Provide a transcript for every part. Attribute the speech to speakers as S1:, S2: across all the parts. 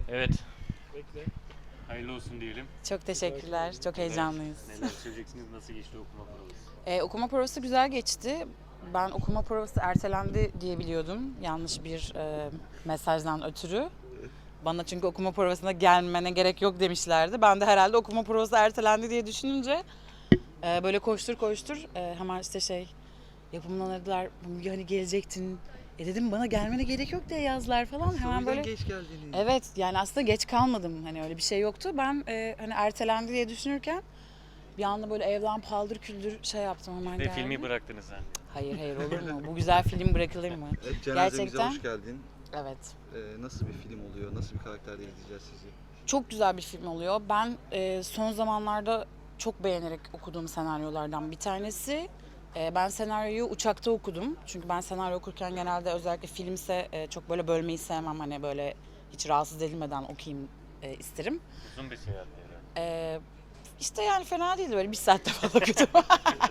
S1: Evet,
S2: Bekle.
S1: hayırlı olsun diyelim.
S3: Çok teşekkürler. Çok heyecanlıyız.
S1: Neler söyleyeceksiniz, nasıl geçti okuma provası?
S3: Okuma provası güzel geçti. Ben okuma provası ertelendi diye biliyordum. Yanlış bir mesajdan ötürü. Bana çünkü okuma provasına gelmene gerek yok demişlerdi. Ben de herhalde okuma provası ertelendi diye düşününce böyle koştur koştur hemen işte yapımdan aradılar. Müge hani gelecektin. Dedim bana gelmene gerek yok diye yazdılar falan. Hemen böyle
S2: geç geldiniz.
S3: evet yani aslında geç kalmadım. Hani öyle bir şey yoktu. Ben hani ertelendi diye düşünürken bir anda böyle evden paldır küldür yaptım hemen
S1: Ve
S3: geldim.
S1: filmi bıraktınız sen.
S3: Hayır olur mu? Bu güzel film bırakılır mı?
S2: Evet, cenazemize
S3: Gerçekten.
S2: hoş geldin.
S3: Evet.
S2: Nasıl bir film oluyor? Nasıl bir karakterde izleyeceğiz sizi?
S3: Çok güzel bir film oluyor. Ben son zamanlarda çok beğenerek okuduğum senaryolardan bir tanesi. Ben senaryoyu uçakta okudum. Çünkü ben senaryo okurken genelde özellikle filmse çok böyle bölmeyi sevmem. Hani böyle hiç rahatsız edilmeden okuyayım isterim.
S1: Uzun bir seyahat herhalde.
S3: İşte yani fena değildi, böyle bir saatte falan okudum.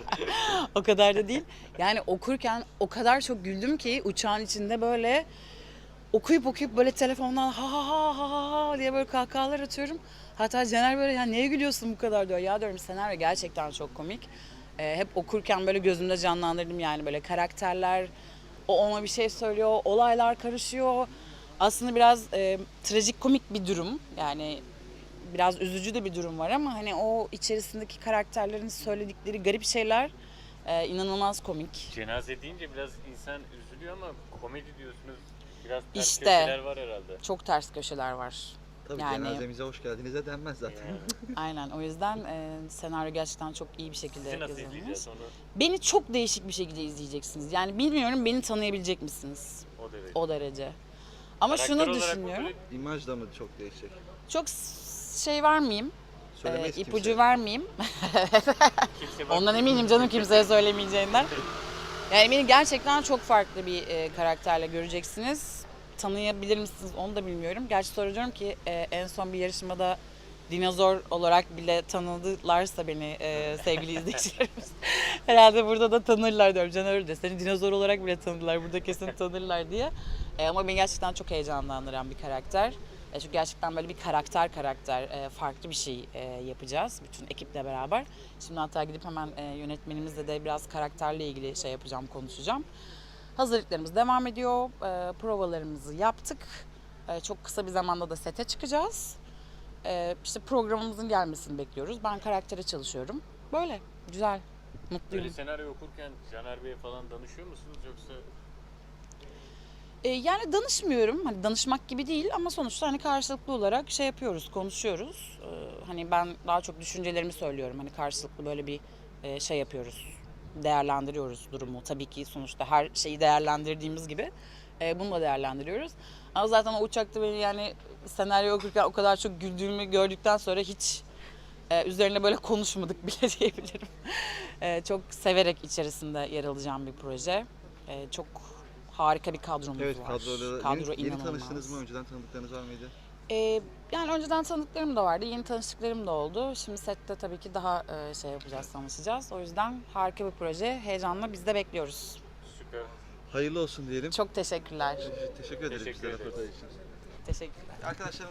S3: O kadar da değil. Yani okurken o kadar çok güldüm ki uçağın içinde böyle okuyup böyle telefondan ha ha ha ha ha ha diye böyle kahkahalar atıyorum. Hatta Cener böyle ya neye gülüyorsun bu kadar diyor. Ya diyorum senaryo gerçekten çok komik. Hep okurken böyle gözümde canlandırdım yani böyle karakterler, o ona bir şey söylüyor, olaylar karışıyor. Aslında biraz trajik komik bir durum yani, biraz üzücü de bir durum var ama hani o içerisindeki karakterlerin söyledikleri garip şeyler inanılmaz komik.
S1: Cenaze deyince biraz insan üzülüyor ama komedi diyorsunuz. Biraz ters
S3: İşte.
S1: köşeler var herhalde.
S3: Çok ters köşeler var.
S2: Tabii
S3: Yani-
S2: cenazemize hoş geldinize denmez zaten.
S1: Yani,
S3: Aynen, o yüzden senaryo gerçekten çok iyi bir şekilde
S1: sizi nasıl
S3: yazılmış.
S1: izleyeceğiz onu
S3: Beni çok değişik bir şekilde izleyeceksiniz. Yani bilmiyorum, beni tanıyabilecek misiniz?
S1: o derece.
S3: O derece. Ama
S1: Karakter
S3: şunu
S1: olarak mı
S3: düşünüyorum.
S1: böyle
S2: İmaj da mı çok değişecek?
S3: Çok vermeyeyim.
S2: Söylemeyiz
S3: İpucu
S2: kimseye.
S3: vermeyeyim.
S1: kimse
S3: Ondan eminim canım, kimseye söylemeyeceğinden. Yani beni gerçekten çok farklı bir karakterle göreceksiniz. Tanıyabilir misiniz onu da bilmiyorum. Gerçi soracağım ki en son bir yarışmada dinozor olarak bile tanıdılarsa beni sevgili izleyicilerimiz. Herhalde burada da tanırlar diyorum. Caner öyle de seni dinozor olarak bile tanıdılar. Burada kesin tanırlar diye. Ama beni gerçekten çok heyecanlandıran bir karakter. Çünkü gerçekten böyle bir karakter farklı bir şey yapacağız bütün ekiple beraber. Şimdi hatta gidip hemen yönetmenimizle de biraz karakterle ilgili yapacağım, konuşacağım. Hazırlıklarımız devam ediyor. Provalarımızı yaptık. Çok kısa bir zamanda da sete çıkacağız. İşte programımızın gelmesini bekliyoruz. Ben karaktere çalışıyorum. Böyle güzel, mutluyum.
S1: böyle senaryo okurken Caner Bey'e falan danışıyor musunuz yoksa
S3: Yani danışmıyorum. Hani danışmak gibi değil ama sonuçta hani karşılıklı olarak yapıyoruz, konuşuyoruz. Hani ben daha çok düşüncelerimi söylüyorum. Hani karşılıklı böyle bir yapıyoruz. Değerlendiriyoruz durumu. Tabii ki sonuçta her şeyi değerlendirdiğimiz gibi bunu da değerlendiriyoruz. Ama zaten o uçakta beni yani senaryo okurken o kadar çok güldüğümü gördükten sonra hiç üzerine böyle konuşmadık bile diyebilirim. Çok severek içerisinde yer alacağım bir proje. Çok harika bir kadromuz
S2: Evet,
S3: var.
S2: kadroda
S3: Kadro
S2: yeni
S3: inanılmaz.
S2: tanıştınız mı? Önceden tanıdıklarınız var mıydı?
S3: Yani önceden tanıdıklarım da vardı, yeni tanıştıklarım da oldu. Şimdi sette tabii ki daha yapacağız, tanışacağız. O yüzden harika bir proje. Heyecanla biz de bekliyoruz.
S1: süper?
S2: Hayırlı olsun diyelim.
S3: Çok teşekkürler.
S2: Teşekkür ederiz
S1: Teşekkür
S2: bize
S1: ederiz.
S2: röportaj için.
S3: Teşekkürler.
S2: Arkadaşlar